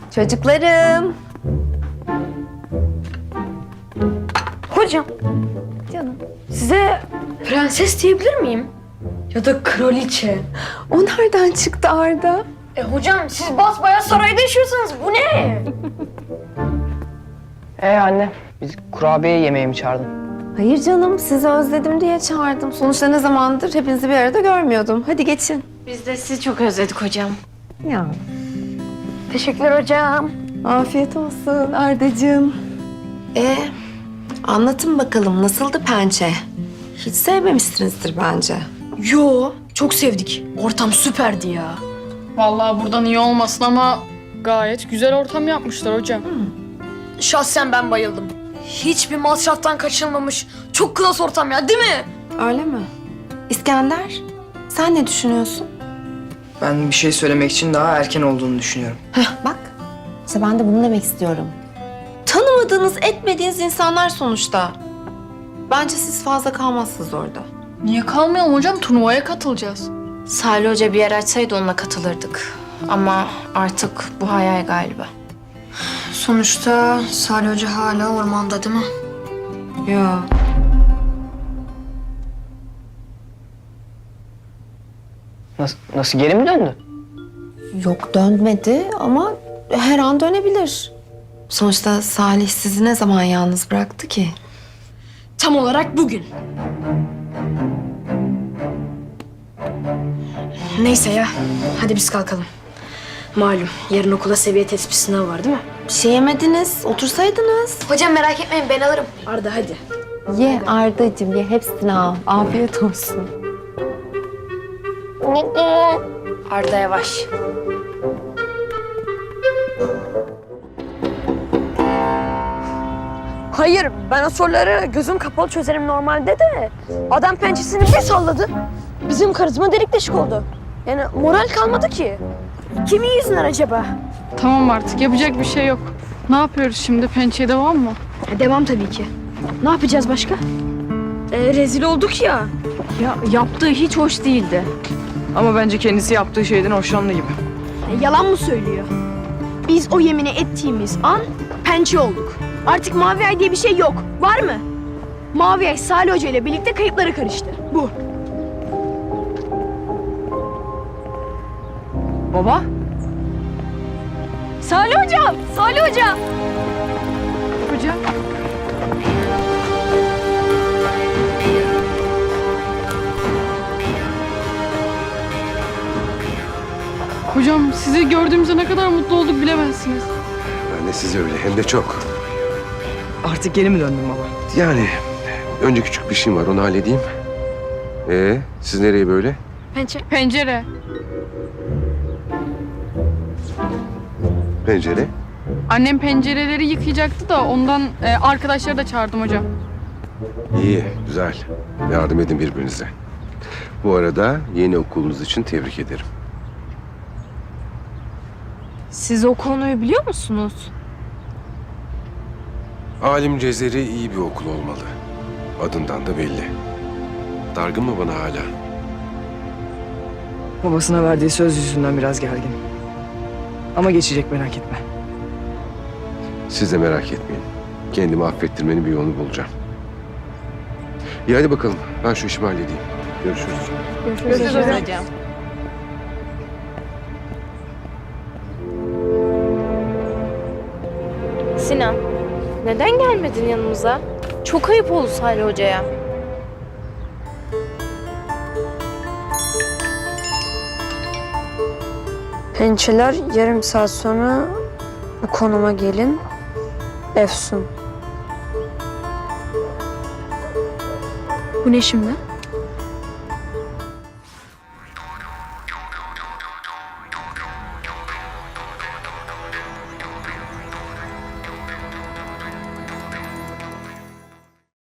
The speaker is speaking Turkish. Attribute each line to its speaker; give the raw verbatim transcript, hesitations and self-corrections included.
Speaker 1: Çocuklarım.
Speaker 2: Hocam,
Speaker 1: Canım.
Speaker 2: size prenses diyebilir miyim? Ya da kraliçe.
Speaker 1: O nereden çıktı Arda?
Speaker 2: E hocam siz basbayağı sarayda yaşıyorsunuz. Bu ne?
Speaker 3: Ee anne, biz kurabiye yemeğe mi çağırdın?
Speaker 1: Hayır canım, sizi özledim diye çağırdım. Sonuçta ne zamandır hepinizi bir arada görmüyordum. Hadi geçin.
Speaker 2: Biz de sizi çok özledik hocam.
Speaker 1: Ya.
Speaker 2: Teşekkürler hocam.
Speaker 1: Afiyet olsun Ardacığım. Ee, anlatın bakalım nasıldı pençe? Hiç sevmemişsinizdir bence.
Speaker 2: Yo, çok sevdik. Ortam süperdi ya.
Speaker 4: Vallahi buradan iyi olmasın ama gayet güzel ortam yapmışlar hocam.
Speaker 2: Şahsen ben bayıldım. Hiçbir masraftan kaçınmamış. Çok klas ortam ya, değil mi?
Speaker 1: Öyle mi? İskender, sen ne düşünüyorsun?
Speaker 3: Ben bir şey söylemek için daha erken olduğunu düşünüyorum.
Speaker 1: Heh, bak. İşte ben de bunu demek istiyorum. Tanımadığınız, etmediğiniz insanlar sonuçta. Bence siz fazla kalmazsınız orada.
Speaker 4: Niye kalmayalım hocam? Turnuvaya katılacağız.
Speaker 5: Salih Hoca bir yer açsaydı onunla katılırdık. Ama artık bu hayal galiba.
Speaker 2: Sonuçta Salih Hoca hala ormanda, değil mi?
Speaker 1: Ya.
Speaker 3: Nasıl, nasıl geri mi döndü?
Speaker 1: Yok dönmedi ama her an dönebilir. Sonuçta Salih sizi ne zaman yalnız bıraktı ki?
Speaker 2: Tam olarak bugün. Neyse ya, hadi biz kalkalım. Malum yarın okula seviye tespit sınavı var, değil mi?
Speaker 1: Bir şey yemediniz, otursaydınız.
Speaker 2: Hocam merak etmeyin, ben alırım. Arda hadi.
Speaker 1: Ye Ardacığım ye, hepsini al. Afiyet olsun.
Speaker 5: Arda yavaş.
Speaker 2: Hayır, ben o soruları gözüm kapalı çözerim normalde de. Adam pençesini bir salladı. Bizim karizma delik deşik oldu. Yani moral kalmadı ki. Kimin yüzünden acaba?
Speaker 4: Tamam artık yapacak bir şey yok. Ne yapıyoruz şimdi? Pençeye devam mı?
Speaker 2: E, devam tabii ki. Ne yapacağız başka? E, rezil olduk ya.
Speaker 6: Ya yaptığı hiç hoş değildi. Ama bence kendisi yaptığı şeyden hoşlandı gibi.
Speaker 2: E, yalan mı söylüyor? Biz o yemini ettiğimiz an pençe olduk. Artık Mavi Ay diye bir şey yok. Var mı? Mavi Ay Salih Hoca ile birlikte kayıplara karıştı. Bu.
Speaker 6: Baba?
Speaker 2: Salih Hocam! Salih Hocam!
Speaker 4: Hocam. Hocam sizi gördüğümüzde ne kadar mutlu olduk bilemezsiniz.
Speaker 7: Ben de size öyle hem de çok.
Speaker 6: Artık geri mi döndün baba?
Speaker 7: Yani önce küçük bir şeyim var onu halledeyim. Ee, siz nereye böyle?
Speaker 2: Pençe.
Speaker 4: Pencere.
Speaker 7: Pencere.
Speaker 4: Annem pencereleri yıkayacaktı da ondan e, arkadaşları da çağırdım hocam.
Speaker 7: İyi, güzel. Yardım edin birbirinize. Bu arada yeni okulunuz için tebrik ederim.
Speaker 6: Siz o konuyu biliyor musunuz?
Speaker 7: Alim Cezeri iyi bir okul olmalı. Adından da belli. Dargın mı bana hala?
Speaker 6: Babasına verdiği söz yüzünden biraz gergin. Ama geçecek merak etme.
Speaker 7: Siz de merak etmeyin. Kendimi affettirmenin bir yolunu bulacağım. İyi hadi bakalım. Ben şu işimi halledeyim. Görüşürüz.
Speaker 4: Görüşürüz hocam.
Speaker 5: Sinan, neden gelmedin yanımıza? Çok ayıp oldu Salih Hoca'ya.
Speaker 2: Pençeler yarım saat sonra bu konuma gelin. Efsun. Bu ne şimdi?